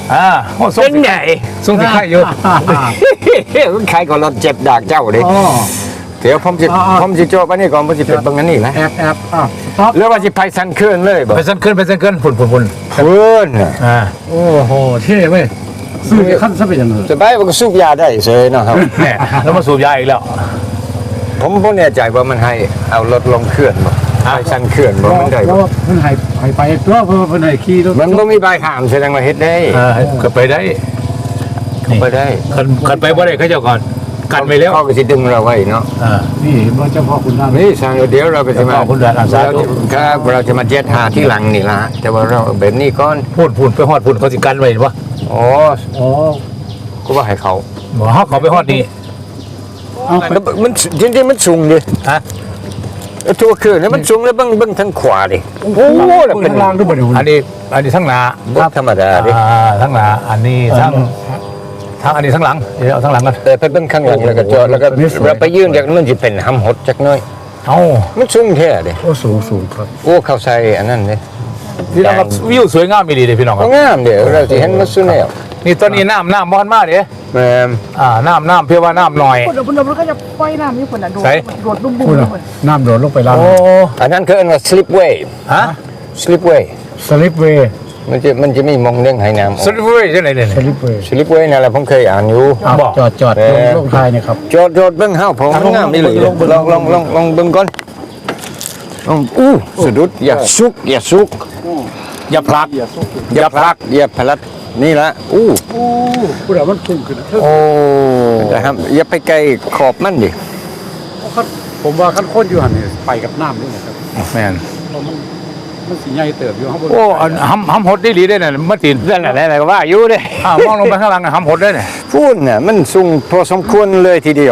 Speaker 1: อ่าโอ้ส่ง
Speaker 2: เป็น
Speaker 1: สิ
Speaker 2: ไง
Speaker 1: ส่งสิใครอยู่
Speaker 2: ใครก็รถเจ็บดากเจ้าดิ
Speaker 3: อ๋อ
Speaker 2: เดี๋ยวผมจะ
Speaker 3: อ๋ออ๋อ
Speaker 2: ผมจะโจบอันนี้ก่อนผมจะเป็นบางอันนี้นะ
Speaker 3: แอบแอบอ่ะสต็อป
Speaker 2: หรือว่าจะไปสันเคลื่อนเลยบ่
Speaker 1: ไปสั้นขึ้นไปสั้นขึ้นฝุ่นฝุ่นฝุ่น
Speaker 2: เพื่อน
Speaker 1: อ่า
Speaker 3: โอ้โหเท่เว้ยซื้อขั้นซะเป็นอย่างนั้น
Speaker 2: สบายมันก็สูบยาได้เฉยเนาะครับ
Speaker 1: แหม่แล้วมาสูบยาอีกแล้ว
Speaker 2: ผมบ่แน่ใจว่ามันให้เอารถลงเคลื่อนบ่ไปสันเคลื่อนบ่มันได้
Speaker 3: เพราะ
Speaker 2: บ่
Speaker 3: ว่าเพิ่นให้ให้ไปตัวเพิ่นเพิ่นให้ขี่รถ
Speaker 2: มันบ่มีใบห้ามแสดงว่าเฮ็ดได้
Speaker 1: เออก็ไปได้
Speaker 2: ไปได้
Speaker 1: ขันขันไปบ่ได้เขาเจ้าก่อนกันไปแล้ว
Speaker 2: เขาก็สิดึงเราไว้เนาะ
Speaker 1: อ่า
Speaker 3: นี่บ่เจ้าพ่อคุณท่าน
Speaker 2: นี่สร้างเดี๋ยวเราก็จะมา
Speaker 1: เจ้าพ่อคุณอาสาธุ
Speaker 2: ครับเราจะมาเจ็ดหาที่หลังนี่ละแต่ว่าเราแบบนี้ก่อน
Speaker 1: พูดพูดไปฮอดพูดเขาสิกันไว้เห็นปะ
Speaker 2: อ๋อ
Speaker 3: อ๋อ
Speaker 2: ก็ว่าให้เขา
Speaker 1: หมอเขาเขาไปฮอดนี่
Speaker 3: เอา
Speaker 2: แล้วมันจริงๆมันสูงดิ
Speaker 1: ฮะ
Speaker 2: ตัวเครื่องนี่มันสูงแล้วเบิ่งเบิ่งทางขวาดิโอ้โหแล้ว
Speaker 3: เป็
Speaker 2: เป็น น
Speaker 3: ล่างด้วยบ่เนี่ย
Speaker 1: อันนี้อันนี้ทั้งหน้า
Speaker 2: บ่ธรรมดาดิ
Speaker 1: อ่าทั้งหน้าอันนี้ทั้งทั้งอันนี้ทั้งหลังเดี๋ยวเอาทั้งหลังกัน
Speaker 2: แต่ไปเบิ่งข้างหลังแล้วก็จอดแล้วก็เราไปยืนจากนั้นมันสิเป็นหำหดจักหน่อย
Speaker 1: เอ้า
Speaker 2: มันสูงแท้ดิ
Speaker 3: โอ้สูงสูงครับ
Speaker 2: โอ้เข้าใส่อันนั้นดิ
Speaker 1: พี่น้องครับวิวสวยงามมีดีเลยพี่น้องค
Speaker 2: ก็
Speaker 1: รับ
Speaker 2: งามเด้อเราสิเห็นมันสุดแล้ว
Speaker 1: นี่ตอนนี้น้ำน้ำบอนมากเด้
Speaker 2: แม่น
Speaker 1: อ่าน้ำน้ำเพียงว่าน้ำหน่อย
Speaker 4: คนเดียวคนเดียวมันก็จะปล่อยน้ำนี่คนน่ะโดด
Speaker 1: ใส่
Speaker 4: โดดบุ้มบุ้ม
Speaker 3: พูด
Speaker 4: เล
Speaker 3: น่ะ
Speaker 4: ย
Speaker 3: น้ำโดดลงไปล่าง
Speaker 1: โอ้
Speaker 2: อันนั้นคืออันว่า slipway
Speaker 1: ฮะ
Speaker 2: slipway
Speaker 3: สลิปเวย์
Speaker 2: มันจะมันจะมีมองเรื่องให้น้ำออก
Speaker 1: สุดเว้ยจังไหนเนี่ย
Speaker 3: สลิปเวย์
Speaker 2: slipway นั่นแหละผมเคยอ่านอยู่
Speaker 3: อ่ะ
Speaker 1: บอก
Speaker 3: จอดจอด
Speaker 2: เอ
Speaker 3: ลง
Speaker 2: อ
Speaker 3: ลงทายเนี่ยครับ
Speaker 2: โจดโจดเบิ้งเฮาผมมันงามนี่เลย
Speaker 3: ลงเบิ่ง
Speaker 2: ลองลองลองลองเบิ้งก่อนลองอู้สะดุดอย่าสุกอย่าสุก
Speaker 1: อย่าพลัก
Speaker 2: อย่าพลักอย่าพลัดนี่ละอู้
Speaker 3: โอ้พูดแล้วมันพุ่งขึ้นนะ
Speaker 1: โอ้
Speaker 2: นะครับอย่าไปไกลขอบมันดิ
Speaker 3: คันผมว่าคันคนอยู่หันนี่ไปกับน้ำนี่นะครับ
Speaker 1: แม่น
Speaker 3: เพราะมันมันสิใหญ่เติบอยู่ข้างบน
Speaker 1: โอ้อันหำหำหดได้ดีได้เนี่ยเมื่อตีน
Speaker 2: นั่นแหละนั่นแหละก็ว่าอยู่เด้
Speaker 1: อ่ามองลงไปข้างล่างน่ะหำหดได้เนี่ย
Speaker 2: พูดน่ะมันสูงพอสมควรเลยทีเดียว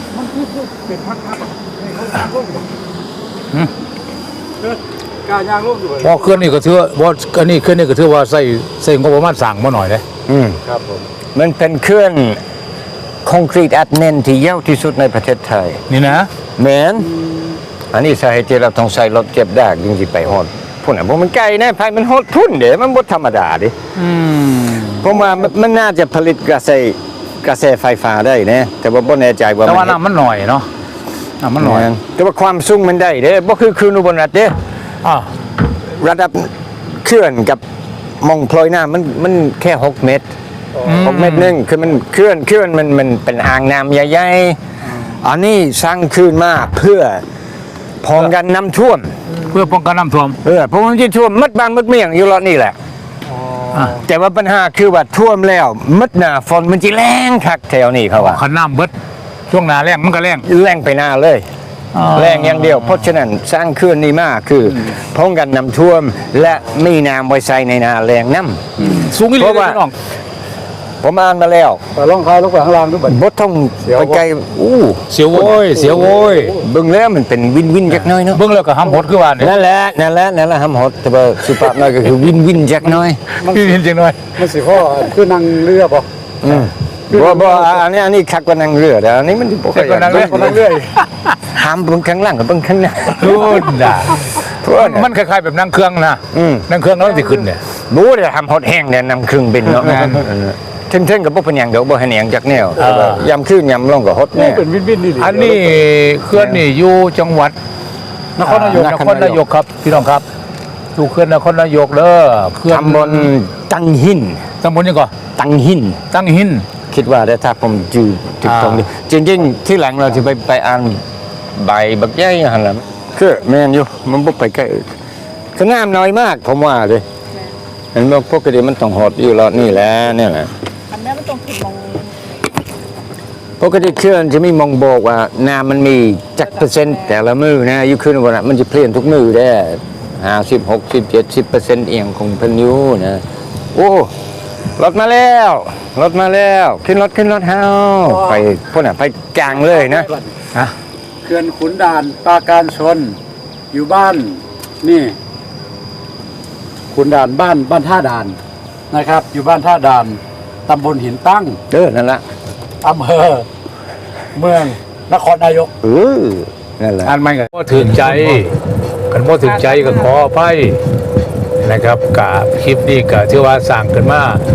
Speaker 3: กายางลงอยู่
Speaker 1: พอเคลื่อนนี่ก็ถือว่าบ่อันนี้เคลื่อนนี่ก็ถือว่าใส่ใส่งบประมาณสั่งมาหน่อยเลย
Speaker 2: อืม
Speaker 3: ครับผม
Speaker 2: มันเป็นเครื่องคอนกรีตอัดแน่นที่ยาวที่สุดในประเทศไทย
Speaker 1: นี่นะ
Speaker 2: แมนอันนี้สาเหตุที่เราต้องใส่รถเก็บดากจริงๆไปฮอดพุ่นอ่ะบ่มันไกลนะไผมันฮอดพุ่นเด้มันบ่ธรรมดาเดิ
Speaker 1: อืม
Speaker 2: ผมว่ามันมันน่าจะผลิตกระแสกระแสไฟฟ้าได้นะแต่ว่าบ่แน่ใจว่า
Speaker 1: แต่ว่า
Speaker 2: เฮ็ด
Speaker 1: น้ำมันหน่อยเนาะน้ำมันหน่อย
Speaker 2: แม่นแต่ว่าความสูงมันได้เด้บ่คือคืนอุบลรัฐเด้
Speaker 1: อ่า
Speaker 2: ระดับเคลื่อนกับมองพลอยน้ำมันมันแค่หกเมตรหกเมตรหนึงคือมันเคลื่อนเคลื่อนมันมันเป็นอ่างน้ำใหญ่ๆอันนี้สร้างขึ้นมาเพื่อป้องกันน้ำท่วม
Speaker 1: เพื่อป้องกันน้ำท่วม
Speaker 2: เออเพราะมันจะท่วมมัดบ้านมัดเมียงอยู่รอบนี่แหละ
Speaker 1: อ่ะ
Speaker 2: แต่ว่าปัญหาคือว่าท่วมแล้วมัดหน้าฝนมันจะแรงคักแถวนี้เขาว่า
Speaker 1: ขันน้ำเบิดช่วงหนาแรงมันก็แรง
Speaker 2: แรงไปหน้าเลย
Speaker 1: อ่า
Speaker 2: แรงอย่างเดียว เพราะฉะนั้นสร้างเคลื่อนนี้มากคือป้องกันน้ำท่วม และมีน้ำไว้ใส่ในนาแรงน้ำ
Speaker 1: สูงอีหลี
Speaker 2: เพราะ
Speaker 1: เลย
Speaker 2: ว่า
Speaker 1: พี่น้อง
Speaker 2: ผมอ่านมาแล้ว
Speaker 3: แต่ลงทายลงไปข้างล่างด้วยบัด
Speaker 2: บดต้องไปไกลอู้
Speaker 1: เสียวโว้ยเสียวโว้ย
Speaker 2: เบิ่งแล้วมันเป็นวินวินจักหน้อยเนาะ
Speaker 1: เบิ่งแล้วก็หำหดคือว่าเนี่ย
Speaker 2: นั่นแหละนั่นแหละนั่นแหละหำหดแต่ว่าสุภาพหน่อยก็คือวินวินจักหน้อย
Speaker 1: พี่เห็นจริงหน่อย
Speaker 3: มันสิพ่อคือนั่งเรือบ่
Speaker 2: อืมบ่บ่อันนี้อันนี้คักกว่านั่งเรือแต่อันนี้มันบ่ค่อยอยาก
Speaker 1: คักกว่านั่งเรือ
Speaker 2: บิ่ห้ามเบิ่งข้างล่างกับเบิ่งข้างหน้า
Speaker 1: พูดด่า
Speaker 2: เพราะว่า
Speaker 1: มันคล้ายๆแบบนั่งเครื่องนะ
Speaker 2: อืม
Speaker 1: นั่งเครื่องแล้วมันสิขึ้นเนี่ย
Speaker 2: รู้เด้ทำฮอดแห้งเนี่ยนำเครื่องบินเนาะงานเท่งๆกับบ่เป็นหยังดอกบ่ให้หยังจักแนวแต่ว่ายามคืนยามลงก็ฮอด
Speaker 3: โอ้
Speaker 2: แน่
Speaker 3: เป็นวินวินนี่ดิ
Speaker 1: อันนี้เคลื่อนนี่อยู่จังหวัดนครนายก
Speaker 2: น
Speaker 1: น
Speaker 2: ค
Speaker 1: ค
Speaker 2: ร
Speaker 1: ร
Speaker 2: นาน
Speaker 1: าย ย
Speaker 2: ก
Speaker 1: กครับพี่น้องครับอยู่เคลื่อนนครนายกเด้อเคลื่อน
Speaker 2: ตำบลตังหิน
Speaker 1: ตำบลยังก่อน
Speaker 2: ตังหิน
Speaker 1: ตั้งหิน
Speaker 2: คิดว่าได้ถ้าผมจืดถูกต้องดีจริงๆที่หลังเราจะไปไปอ่านใบบักใหญ่หั่นล่ะคือแม่นอยู่มันบ่ไปใกล้ก็น้ำน้อยมากผมว่าเลยเห็นบ่ปกติมันต้องฮอดอยู่แล้วนี่แหละเนี่ยแหละ
Speaker 4: อันนี้มันต้องขึ้นมอง
Speaker 2: ปกติเครื่องจะมีมองบอกว่าน้ำมันมีจักเปอร์เซ็นต์แต่ละมือนะอยู่ขึ้นวันน่ะมันจะเปลี่ยนทุกมือได้ห้าสิบหกสิบเจ็ดสิบเปอร์เซ็นต์เอียงของเพนอยูนะโอ้รถมาแล้วรถมาแล้วขึ้นรถขึ้นรถเฮาไปพวกน่ะไปกลางเลยนะ
Speaker 1: ฮะ
Speaker 3: เขื่อนขุนด่านปราการชนอยู่บ้านนี่ขุนด่านบ้านบ้านท่าด่านนะครับ อยู่บ้านท่าด่านตำบลหินตั้ง
Speaker 2: เออนั่นละ
Speaker 3: อำเภอเมืองนครนายก
Speaker 2: เออนั่นแหละ
Speaker 1: อ่านไม่กันบ่ถึงใจกันบ่ถึงใจก็ขออภัยนะครับกับคลิปนี้ก็ถือว่าสร้างขึ้นมา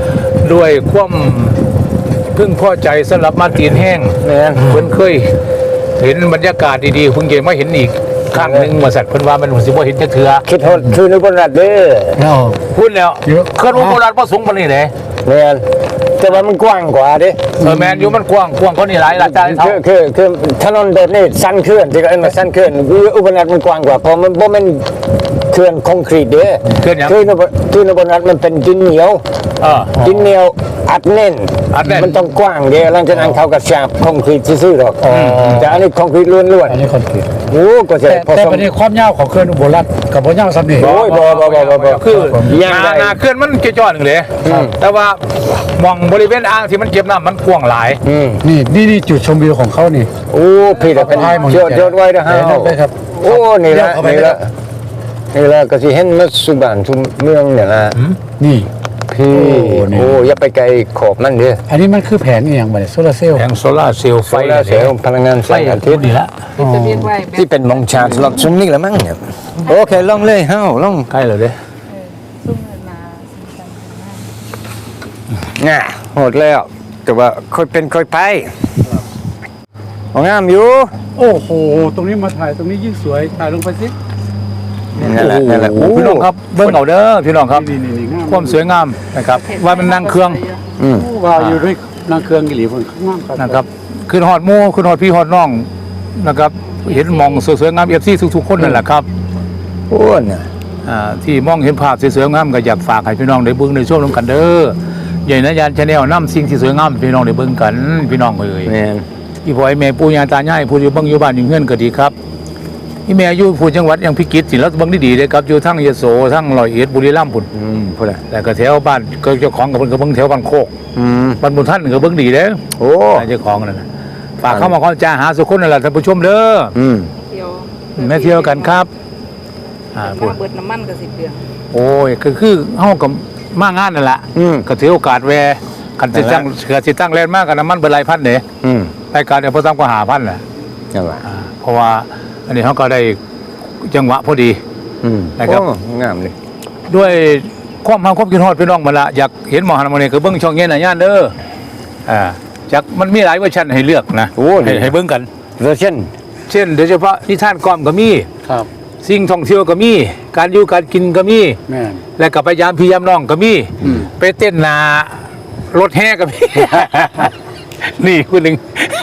Speaker 1: ด้วยความพึ่งพอใจสำหรับมาตีนแห้ง
Speaker 2: แม่น
Speaker 1: เพิ่นเคยเห็นบรรยากาศดีๆเพิ่งเห็นมาเห็นอีกครั้งหนึ่งมาสัตว์เพิ่นว่ามันสิบ่เห็นจักเทื่อ
Speaker 2: คิดฮอดคือนึกว่ารัดเด้อ
Speaker 3: เนาะ
Speaker 1: พูดแล้ว
Speaker 3: เยอะ
Speaker 1: เคลื่อนวงโบราณบ่สูงปานนี้เด้
Speaker 2: แม่นแต่ว่ามันกว้างกว่าเด้
Speaker 1: เออแม่นอยู่มันกว้างกว้างกว่านี้หลายหลายตาเท่า
Speaker 2: คือคือคือถนนแบบนี้สั้นเคลื่อนที่ก็เอ็นมาสั้นเคลื่อนอุบลรัฐมันกว้างกว่าเพราะมันบ่แม่นเคลื่อนคอนกรีตเด้
Speaker 1: เคลื่อนหยัง
Speaker 2: คือนบคือนบรัฐมันเป็นดินเหนียว
Speaker 1: เออ
Speaker 2: ดินเหนียวอัดแน่น
Speaker 1: อัดแน่น
Speaker 2: มันต้องกว้างเด้หลังจากนั้นเขาก็ฉาบคอนกรีตซื่อๆหรอกแต่อันนี้คอนกรีตล้วน
Speaker 3: อันนี้คอนกรีต
Speaker 2: ๆโอ้ก็จะ
Speaker 3: แต่
Speaker 2: ผ
Speaker 3: แต่
Speaker 2: สม
Speaker 3: ประเด็นความยาวของเครื่องอุบลรัฐกับบ่ยาวซ้ำนี่
Speaker 2: โอ้ยบ่บ่บ่บ่บ่
Speaker 1: คือ
Speaker 2: ยัง
Speaker 1: ห
Speaker 2: ไง
Speaker 1: นาหนาเคลื่อนมันเกี่ยวจอหนึ่งเลย
Speaker 2: ครับ
Speaker 1: แต่ว่ามองบริเวณอ่างที่มันเก็บน้ำมันกว้างหลาย
Speaker 2: อืม
Speaker 3: นี่นี่นี่จุดชมวิวของเขานี่
Speaker 2: โอ้พี่แต่เป็น
Speaker 3: ให้หมด
Speaker 2: ยอดยอดไว้นะฮะ
Speaker 3: เดี๋ยวนั่นเลยครับ
Speaker 2: โอ้นี่ละ
Speaker 3: เดี๋ยวเข้าไป
Speaker 2: นี่ละนี่ละก็สิเห็นมัสุบานทุกเมืองเนี่ยละ
Speaker 3: นี่
Speaker 2: พี่
Speaker 3: โอ้นี่
Speaker 2: โอ้อย่าไปไกลขอบมันเด้อ
Speaker 3: อันนี้มันคือแผงอหย่างไรโซลาร์เซลล์
Speaker 1: แผงโซล่าร์เซลล์ไฟ
Speaker 2: ไฟแล้วเสียพลังงานแส
Speaker 1: ไฟ
Speaker 2: งอา
Speaker 1: ทิ
Speaker 2: ทิ
Speaker 1: ต
Speaker 2: ตย์
Speaker 1: ย์นี่ละ
Speaker 4: จะเรียกว่าแบบ
Speaker 2: ที่เป็นมองชาร์จลอดซุมนี่ละมั้งเนี่ยโอเคลองเลยเฮ้าลอง
Speaker 1: ใกล้เลยเด้
Speaker 4: ซุ่มเงินมาสีสันมาก
Speaker 2: ง่ะโหดแล้วแต่ว่าค่อยเป็นค่อยไปของงามอยู่
Speaker 3: โอ้โหตรงนี้มาถ่ายตรงนี้ยิ่งสวยถ่ายลงไปสิ
Speaker 2: นั่นแหละนั่นแหละ
Speaker 1: โอ้โหพี่น้องครับเบิ้งเอาเด้อพี่น้องครับ
Speaker 3: นี่นี่นี่งาม
Speaker 1: ความสวยงามนะครับว่ามันนั่งเครื่อง
Speaker 2: อืม
Speaker 3: ว้าวอยู่ด้วยนางเครื่องกิริคนงามครับ
Speaker 1: นะครับขึ้นฮอดหมู่ขึ้นฮอดพี่ฮอดน้องนะครับเห็นมองสวยๆงามเอฟซีทุกๆคนนั่นแหละครับ
Speaker 2: โอ้น่ะ
Speaker 1: อ่าที่มองเห็นภาพสวยๆงามก็อยากฝากให้พี่น้องได้เบิ่งได้ชมร่วมกันเด้อใหญ่นะยานชาแนลนำสิ่งที่สวยงามให้พี่น้องได้เบิ่งกันพี่น้องเอ้ย
Speaker 2: แม่น
Speaker 1: อีพ่อไอ้แม่ปู่ย่าตายายผู้อยู่เบิ่งอยู่บ้านอยู่เฮือนก็ดีครับอีแม่อยู่ผู้จังหวัดยังพิจิตรสิแล้วเบิ่งดีๆเด้ครับอยู่ทั้งยโสทั้งร้อยเอ็ดบุรีรัมย์พุ่น
Speaker 2: อืมพูดอะ
Speaker 1: แต่ก็แถวบ้านก็เจ้าของก็เพิ่นก็เบิ่งแถวบ้านโคก
Speaker 2: อืม
Speaker 1: บ้านบุญท่านก็เบิ่งดีเด้อ
Speaker 2: โอ้
Speaker 1: เจ้าของนั่นน่ะฝากเข้ามาขอจ้าหาสุคนนั่นแหละท่านผู้ชมเด้อ
Speaker 2: อืม
Speaker 4: เที่ยว
Speaker 1: แม่เที่ยวกันครับอ่าพุ่น
Speaker 4: มาเบิดน้ำมันกับสิบเดือน
Speaker 1: โอ้ยก็คือเฮากับมางานนั่นแหละ
Speaker 2: อืม
Speaker 1: ก็ถือโอกาสแวะคันสิตั้งเกิดสิตั้งแลนด์มากกับน้ำมันเบิดหลายพันเด้
Speaker 2: อืม
Speaker 1: รายการเนี่ยบ่ต่ำกว่าห้าพันแหละ
Speaker 2: นั่นแหละ
Speaker 1: อ่าเพราะว่าอันนี้เฮาก็ได้จังหวะพอดี
Speaker 2: อืม
Speaker 1: นะครับ
Speaker 2: โอ้งามเลย
Speaker 1: ด้วยความหาความคิดฮอดพี่น้องมาละอยากเห็นหมอหันมาเนี่ยก็เบิ่งช่องเย็นน่ะย่านเด้ออ่าจักมันมีหลายเวอร์ชันให้เลือกนะ
Speaker 2: โอ้
Speaker 1: ให้ให้เบิ่งกัน
Speaker 2: เวอร์ชัน
Speaker 1: เช่นโดยเฉพาะนิทานกล่อมก็มี
Speaker 3: ครับ
Speaker 1: สิ่งท่องเที่ยวก็มี การอยู่การกินก็มี
Speaker 3: แม่น
Speaker 1: และกับไปยามพี่ยามน้องก็มี
Speaker 3: อืม
Speaker 1: ไปเต้นนารถแห่ก็มี นี่คุณหนึ่ง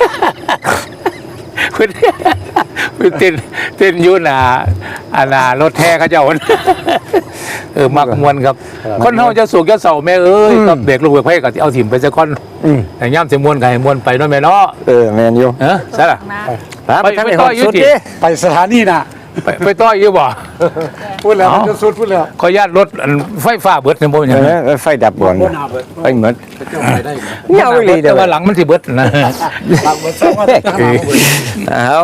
Speaker 1: คุณคุณเต้นเต้นอยูหนาอาณารถแห่เขาเจ้า เออมักมวนครับ คนเฮาจะสุกจะเศร้าแม่เอ้ยกับเบรกลูกเบรกไพ่ก็เอาถิ่มไปซะก่อน
Speaker 2: อืม
Speaker 1: แต่ย่ำจะมวนก็ให้มวนไปเนาะแม่เนาะ
Speaker 2: เออแมนอยู่
Speaker 1: เออใช่ล่ะ
Speaker 4: มา
Speaker 2: ไป
Speaker 1: ไป
Speaker 2: ทาง
Speaker 1: ไป
Speaker 2: นี้
Speaker 1: ต่
Speaker 2: ฮ
Speaker 1: อ
Speaker 2: อด
Speaker 1: อยู่
Speaker 2: สุด
Speaker 1: ดิ
Speaker 2: ดิ
Speaker 3: ไปสถานีน่ะ
Speaker 1: ไปไปต่อยอยู่บ่
Speaker 3: พูดแล้ว
Speaker 1: เอ้ามั
Speaker 3: มันจะสุดพูดแล้ว
Speaker 1: ขออนุญาตรถอันไฟฟ้าเบิดเนี่ยบ่เป็นหยัง
Speaker 2: เอ
Speaker 1: นะ
Speaker 2: อไฟดับบ่อน
Speaker 3: บ่หนาเบิด
Speaker 2: ไปหมด
Speaker 3: เจ้าไปได้ไหม
Speaker 2: เงาอีหลีเด้
Speaker 1: แต่
Speaker 2: อ
Speaker 1: ว่าหลังมันสิเบิดนะ
Speaker 3: หลังเบิดสองว่าจะหาเบิด
Speaker 2: เอา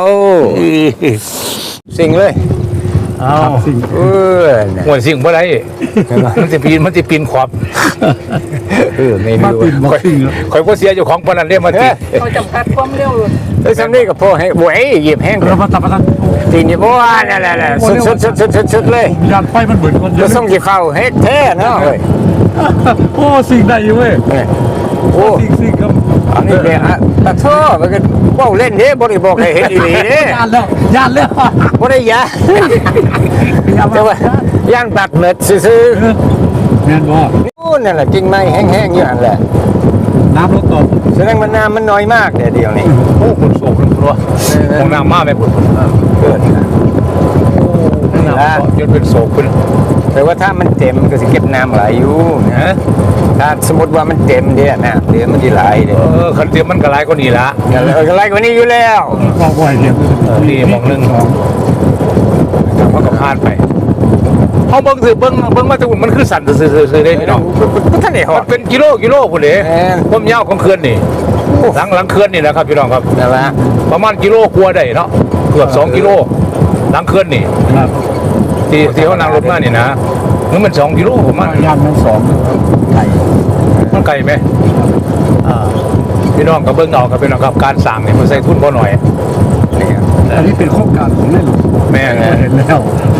Speaker 2: สิ่งเลย
Speaker 1: เอา
Speaker 3: สิ่ง
Speaker 2: เออน่ะ
Speaker 1: หวนสิ่งบ่ได้มันสิปีนมันสิปีนขอบ
Speaker 2: เออไม่
Speaker 3: มา
Speaker 2: รู้
Speaker 3: ติดมาติด
Speaker 1: ข่อยบ่เสียเจ้าของปานนั้นเด้มาติ
Speaker 4: เขาจำกัดความเร็ว
Speaker 2: เอ้ยซัมนี่ก็พอให้บวยเหยียบแห้ง
Speaker 3: เรามาตัดประทัน
Speaker 2: ตีนอย่าบ่ว่านั่นแหละๆสุดๆๆๆๆเลย
Speaker 3: ยานไฟมันเบิดคนเย
Speaker 2: จะ
Speaker 3: อะ
Speaker 2: ส่งกี่เข้าเฮ็ดแท้เนาะเฮ้ย
Speaker 3: โอ้สิ่งได้อยู่เว้ย
Speaker 2: เออโอ้
Speaker 3: สิ่งสิ่งครับ
Speaker 2: อันนี้เนี่ยอะตะโทมันก็เว้าเล่นเด้บ่ได้บอกให้เฮ็ดอีหลีเด้
Speaker 3: ยานแล้วยานแล้ว
Speaker 2: บ่ได้ยาแต่ว่าย่านบัดเม็ดซื่อ
Speaker 3: แม่นบ่
Speaker 2: ๆโอ้นั่นแหละกิ่งไม้แห้งๆอยู่นั่นแหละ
Speaker 3: น้ำลดตก
Speaker 2: แสดงว่าน้ำมันน้อยมากเดี๋ยวเดียวนี้
Speaker 1: โอ้คุณโศกคุณครัวห้องน้ำมาแม่คุณ
Speaker 2: เกิด
Speaker 1: ห้องน้ำจนเป็นโศกคุณ
Speaker 2: แต่ว่าถ้ามันเต็มมันก็สิเก็บน้ำไหลอยู่นะ
Speaker 1: ฮะ
Speaker 2: ถ้าสมมติว่ามันเต็มเด้อน้ำเดี๋ยวมันสิไหลเด้
Speaker 1: เออคันเตรียมมันก็หลายกว่านี้ละ
Speaker 2: ก็เลยก็ไหลกว่านี้อยู่แล้ว
Speaker 3: บอกบ่อยเดียว
Speaker 1: เออนี่หมองหนึงมันก็พลาดไปเฮาเบิ่งสิเบิ่งเบิ่งมาแต่มันคือสั่นซื่อๆๆเด้พี่น้อง
Speaker 2: บ่ทันได้ฮอ
Speaker 1: มั
Speaker 2: ด
Speaker 1: นเป็นกิโลกิโลพุ่นเด้
Speaker 2: แม่น
Speaker 1: ความยาวของเขื่อนนี่หลังหลังเขื่อนนี่นะครับพี่น้องครับ
Speaker 2: นั่นล่ะ
Speaker 1: ประมาณกิโลกว่าได้เนาะเกือบสองกิโลหลังเขื่อนนี่
Speaker 3: ครับ
Speaker 1: ที่ที่เขานั่งรถมานี่นะมันมันสองกิโลผมมัน
Speaker 3: ยานมันสองไก่
Speaker 1: มันไกลไหมอ่าพี่น้องกับเบิ้งเอากับพี่น้องครับการสั่งเนี่ยมันใส่ทุนบ่หน่อย
Speaker 2: นี่
Speaker 3: อันนี้เป็นโครงการของแม่หลวง
Speaker 1: แม่น
Speaker 3: เห็นแล้ว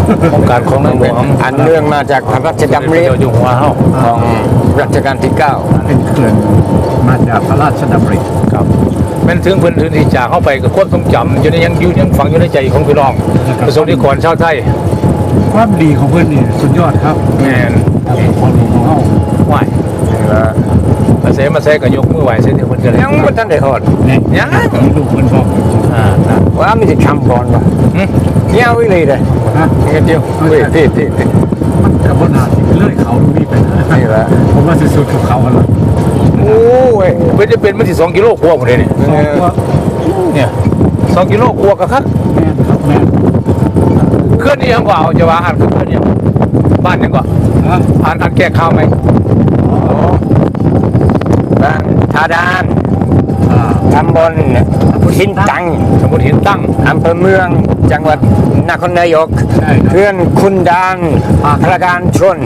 Speaker 1: โครงการของในหลวง
Speaker 2: อันเรื่องมาจากพระราชดำริ
Speaker 1: เจ้าอยู่หัวเฮา
Speaker 2: ของรัชกาลที่เก้า
Speaker 3: เป็นเขื่อนมาจากพระราชดำริ
Speaker 1: ครับแม่นถึงเพิ่นถึงที่จากเข้าไปกับความทรงจำอยู่ในยังอยู่ยังฝังอยู่ในใจของพี่น้องประสบนิกรชาวไทย
Speaker 3: ความดีของเพื่อนนี่สุดยอดครับ
Speaker 1: แม่น
Speaker 3: ความดีของเขา
Speaker 1: ไหวมาเสมาเสก็ยกมือไหวเส้นเดียวเพิ่นก็เลย
Speaker 2: ยังไม่ทันได้ฮอด
Speaker 3: เนี่ย
Speaker 1: ยัง
Speaker 3: มีลูกเพื่อนบอก
Speaker 1: อ่านะ
Speaker 2: ว่ามันจะช้ำก่อนป่ะ
Speaker 1: หึ
Speaker 2: เงี้ยวิเลยเลย
Speaker 3: ฮะ
Speaker 2: เงี้ยเดียวเฮ้ยที่ที่ที่
Speaker 3: มันจะบนหาที่เลื่อยเขาตรงนี้ไป
Speaker 2: นี่แหละ
Speaker 3: ผมว่าสุดๆกับเขาแล้ว
Speaker 2: โอ้ย
Speaker 1: เพิ่นจะเป็นมันสิสองกิโลกว่าหมดเลยนี่
Speaker 3: สองตัว
Speaker 1: เนี่ยสองกิโลกว่าก็ครับ
Speaker 3: แม่นครับแม่น
Speaker 1: เคลื่อนนี่ยังกว่าเอาจะว่าอ่านเคลื่อนยังบ้านยังกว่า
Speaker 3: ฮะ
Speaker 1: อ่านอ่านแก้ข้าวไหม
Speaker 2: บ้านทาดาน
Speaker 3: อ่า
Speaker 2: ตำบลหินตัง
Speaker 1: สมุทรหินตั้ง
Speaker 2: อำเภอเมืองจังหวัดนครนายก
Speaker 3: ใช่ครับ
Speaker 2: เพื่อนคุณดานพระการชน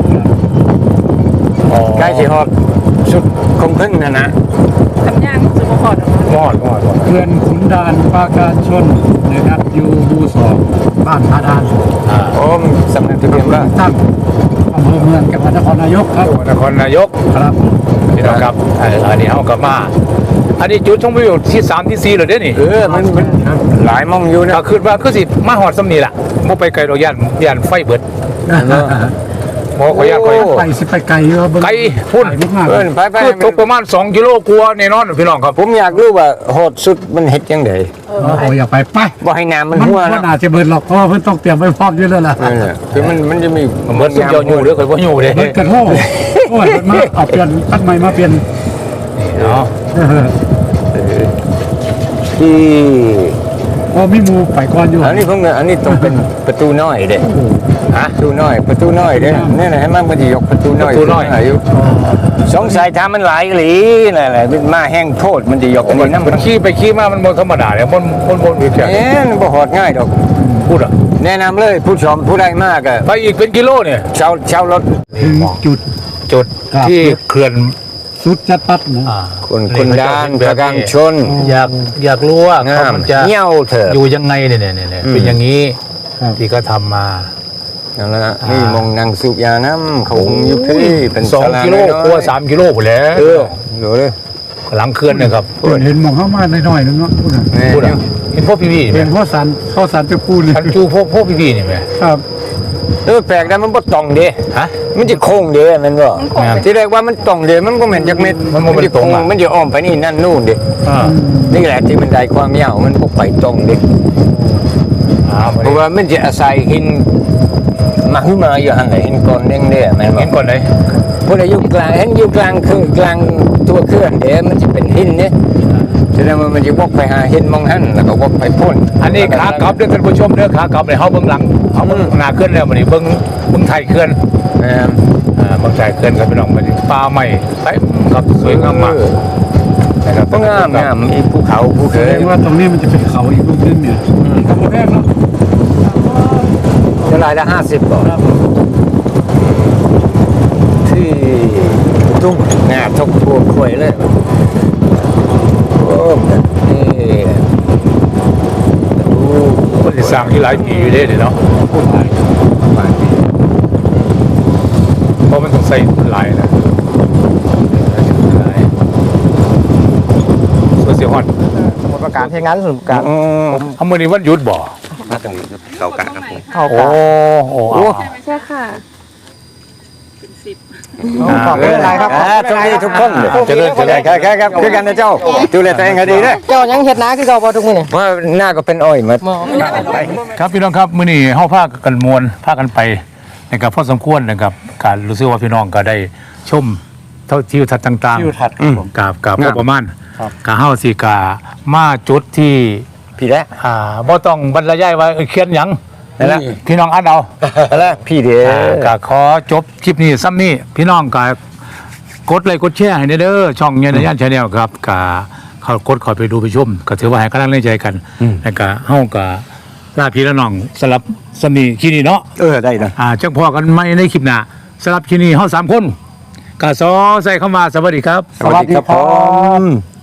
Speaker 1: อ๋อ
Speaker 2: ใกล้สิฮอดสุดคงพึ่งนะนะ
Speaker 4: ทำย่างสุขภาพออกมา
Speaker 1: มอดมอดมอด
Speaker 3: เขื่อนขุนด่านปราการชนนะครับอยู่หมู่สองบ้านพาดาน
Speaker 1: อ่า
Speaker 2: โอ้มสำนักทะเบียนบ้าน
Speaker 3: ตั้งอำเภอเมืองจังหวัดนครนายกครับ
Speaker 1: นครนายก
Speaker 3: ครับ
Speaker 1: พี่น้องครับเอ่ออันนี้เฮากลับมา อันนี้จุดชมวิวที่สามที่สี่เลยเด้นี่
Speaker 2: เออมันมันหลายมองอยู่นะ
Speaker 1: ก็คือว่าคือสิมาหอดสำนีล่ะบ่ไปไกลดอกย่านย่านไฟเบิดบ่ขออนุญาตขออนุญาต
Speaker 3: ไปสิไปไกลอยู่ครับ
Speaker 1: ไกลพุ่น
Speaker 3: ไกลมากๆ
Speaker 2: เออไปไป
Speaker 1: คือตกประมาณสองกิโลกว่าแน่นอนพี่น้องครับ
Speaker 2: ผมอยากรู้ว่าโหดสุดมันเฮ็ดยังไง
Speaker 3: โอ้โหอย่าไปไป
Speaker 2: บ่ให้น้ำมัน
Speaker 3: มัน
Speaker 2: หัว
Speaker 3: มัน
Speaker 2: นะ
Speaker 3: อาจจะเบิดหรอกเพราะว่าเพิ่นต้องเตรียมไว้พร้อมอยู่แล้วล่ะ
Speaker 2: เออคือมันมันจะมี
Speaker 1: เหมือนสุดยอดอยู่เด้อข่อยบ่อยู่เด้
Speaker 3: เบิดกันโอ้โอ้ยเพิ่นมาเอาเปลี่ยนตั้งใหม่มาเปลี่ยน
Speaker 1: เนาะ
Speaker 3: เออ
Speaker 2: ที่
Speaker 3: โอ้มีหมูไปก่อนอยู่
Speaker 2: อันนี้ผมอันนี้ต้องเป็นประตูน้อยเด้
Speaker 1: ฮะ
Speaker 2: ประตูน้อยประตูน้อยเด้นี่นะให้มันมันจะยกประตูน้อย
Speaker 1: ประตูน้อย
Speaker 2: ขึ้อยู่สงสัยถ้ามันหลายอีหลีนั่นแหละมันมาแห้งโทษมันจะยกอัน
Speaker 1: มั
Speaker 2: นี้
Speaker 1: น
Speaker 2: น้ำ
Speaker 1: มั
Speaker 2: มัน น
Speaker 1: ขี่ไปขี่มามันบ่ธรรมดาเด้มันมันบ่มีแค่
Speaker 2: เอ๊ะมันบ่หอดง่ายดอก
Speaker 1: พูดอ่ะ
Speaker 2: แนะนำเลยผู้ชมผู้ใดมากอะ
Speaker 1: ไปอีกเป็นกิโลเนี่ย
Speaker 2: เช่าเช่ารถ
Speaker 3: ถึงจุด
Speaker 1: จุด
Speaker 3: ครับ
Speaker 1: ที่เขื่อน
Speaker 3: สุดจัดปัดนะ
Speaker 1: อ่า
Speaker 2: คุณคุณดานประการชน
Speaker 1: อยากอยากรู้ว่า
Speaker 2: งา
Speaker 1: เขา
Speaker 2: ม
Speaker 1: มันจะ
Speaker 2: เงี้ยวเถอะ
Speaker 1: อยู่ยังไงเนี่ยเนี่ยเนี่ย
Speaker 2: อืม
Speaker 1: เป็นอย่างนี้
Speaker 3: ครับ
Speaker 1: ที่เขาทำมา
Speaker 2: นั่นแหละ
Speaker 1: อ่านี่
Speaker 2: นี่มองนางสูบยาน้ำเขาคงอยู่ที่เป็น
Speaker 1: สอง
Speaker 2: ศาลา
Speaker 1: กิโล
Speaker 2: น้อยๆ
Speaker 1: กว่าสามกิโลหมดแล้ว
Speaker 2: เออดูเลย
Speaker 1: หลังเขื่อนเนี่ยครับ
Speaker 3: เพิ่นเห็นหมองเข้ามาหน่อยๆนึงเนาะพูดน่ะ
Speaker 2: แม่
Speaker 1: พูดอ่ะเห็นพวกพี่พี่ๆไหม
Speaker 3: เห็นพ่อสันพ่อสันจะพูดเลย
Speaker 1: ทันจูพวกพวกพี่พี่ๆนี่ไหม
Speaker 3: ครับ
Speaker 2: เออแปลกนะมันบ่ตรงเด้
Speaker 1: ฮะ
Speaker 2: มันจะโค้งเด้แมันบ่
Speaker 4: มันคงเป็น
Speaker 2: ที่แรกว่ามันตรงเด้มันก็เหมือนจักเม็ด
Speaker 1: มันบ่เป็น
Speaker 2: จะ
Speaker 1: ตรง
Speaker 2: โค้
Speaker 1: อะ
Speaker 2: มันจะอ้อมไปนี่นั่นนู่นเด้
Speaker 1: อ่า
Speaker 2: นี่แหละที่มันได้ความยาวมันบ่ไปตรงเด้
Speaker 1: อ่า
Speaker 2: เพราะว่ามันจะอาศัยหินมาขึ้นมาอยู่หั่นแหละหินก้อนแดงเด้แม่นบ่
Speaker 1: เห็นก่อนเลย
Speaker 2: พวกอยู่กลางเห็นอยู่กลางคือกลางตัวเคลื่อนเด้มันจะเป็นหินเนี่ยแสดงว่ามันจะวกไปหาหินมองหั่นแล้วก็วกไปพ่น
Speaker 1: อันนี้ขากลับเด้อท่านผู้ชมเด้อขากลับเนี่ยเฮาเบิ่งหลังเฮาเบิ่งหน้าเขื่อนแล้วมื้อนี้เบิ่งเบิ่งไทยเขื่อน
Speaker 2: แม่น
Speaker 1: อ่าเบิ่งไทยเขื่อนครับพี่น้องมื้อนี้ป่าไม้เต็มครับสวยงามมากนะครับ
Speaker 2: ก็งามงามมีภูเขาภู
Speaker 3: แส
Speaker 2: เข
Speaker 3: ด
Speaker 2: ย
Speaker 3: งว่าตรงนี้มันจะเป็นเขาอีกลูกนึงเนี่ยทำมาแรกเนาะ
Speaker 2: เท่าไหรละห้าสิบก่อนที่ตุ้งงาทกพวกควยเลยโอ้นี่ดู
Speaker 1: คนสิสร้างที่หลายปีอยู่เด้นี่เนาะ
Speaker 3: พูดหลาย
Speaker 2: ประมาณนี้
Speaker 1: เพราะมันต้องใส่หลายนะหลายส่วนเสียฮอด
Speaker 5: สมุดประการที่งั้นสมุดประการ
Speaker 2: อืม
Speaker 1: เอามื้อนี้วันหยุดบ่
Speaker 5: เข้ากะครับผมเข้า
Speaker 1: โอ้
Speaker 5: กะ
Speaker 1: โอ้เอา
Speaker 4: ใช่ค่ะถึงสิบ
Speaker 5: ขอบคุณอะไรครับ
Speaker 2: อ่าทุกที่ทุกคนเลย
Speaker 1: เจริญเจริญ
Speaker 2: แค่แค่ครับคือกันนะเจ้าดูแลตัวเองให้ดีนะ
Speaker 5: เจ้ายังเฮ็ดนาคือเก่าบ่ทุกมื้อนี่
Speaker 2: เพราะหน้าก็เป็นอ้อยหมา
Speaker 1: ครับพี่น้องครับมื้อนี้เฮาพากันมวนพากันไปนะครับพอสมควรนะครับการรู้สึกว่าพี่น้องก็ได้ชมเท่าทิวทัศน์ต่างๆ
Speaker 3: ทิวทัศน์
Speaker 1: อืมกับกับพอประมาณกะเฮาสิกะมาจุดที่
Speaker 2: พี่แล้ว
Speaker 1: อ่าบ่ต้องบรรยายว่าเอ้ยเขียนหยัง
Speaker 2: นั่นแหละ
Speaker 1: พี่น้องอ่านเอา
Speaker 2: แล้วพี่เด้
Speaker 1: อ่าก็ขอจบคลิปนี้ซ้ำนี้พี่น้องก็กดไลค์กดแชร์ให้เด้อช่องเงี้ยในย่านชาแนลครับก็เขากดเขอไปดูไปชมก็ถือว่าให้กำลังใจกันแล้วก็เฮาก็ลาพี่และน้องสลับสนีที่นี่เนาะ
Speaker 2: เออได้นะ
Speaker 1: อ่าจังพอกันใหม่ในคลิปหน้าสลับที่นี่เฮาสามคนก็ซอใส่เข้ามาสวัสดีครับ
Speaker 2: สวัสดีครับผม